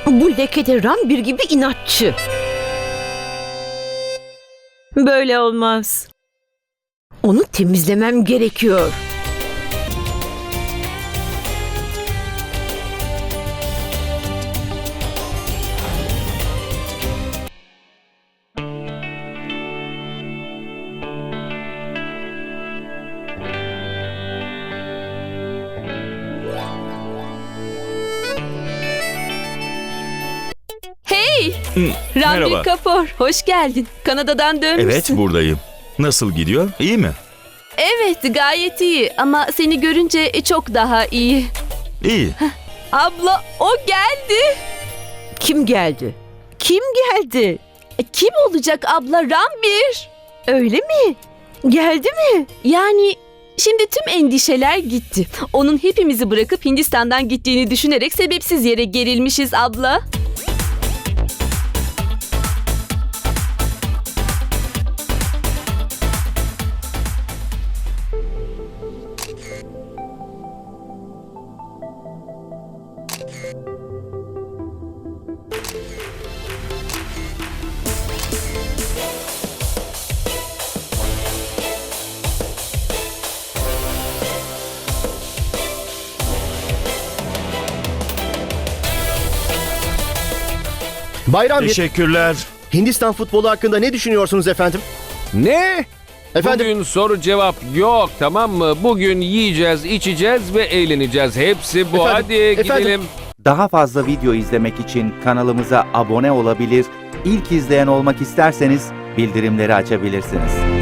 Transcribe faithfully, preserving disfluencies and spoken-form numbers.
Bu lekede Ranbir gibi inatçı. Böyle olmaz. Onu temizlemem gerekiyor. Ranbir Merhaba. Kapoor, hoş geldin. Kanada'dan dönmüşsün. Evet, buradayım. Nasıl gidiyor? İyi mi? Evet, gayet iyi ama seni görünce çok daha iyi. İyi. Abla, o geldi. Kim geldi? Kim geldi? E, Kim olacak abla? Ranbir. Öyle mi? Geldi mi? Yani şimdi tüm endişeler gitti. Onun hepimizi bırakıp Hindistan'dan gittiğini düşünerek sebepsiz yere gerilmişiz abla. Bayram bir. Teşekkürler. Hindistan futbolu hakkında ne düşünüyorsunuz efendim? Ne? Efendim? Bugün soru cevap yok, tamam mı? Bugün yiyeceğiz, içeceğiz ve eğleneceğiz. Hepsi bu. Efendim, Hadi efendim. gidelim. Daha fazla video izlemek için kanalımıza abone olabilir, ilk izleyen olmak isterseniz bildirimleri açabilirsiniz.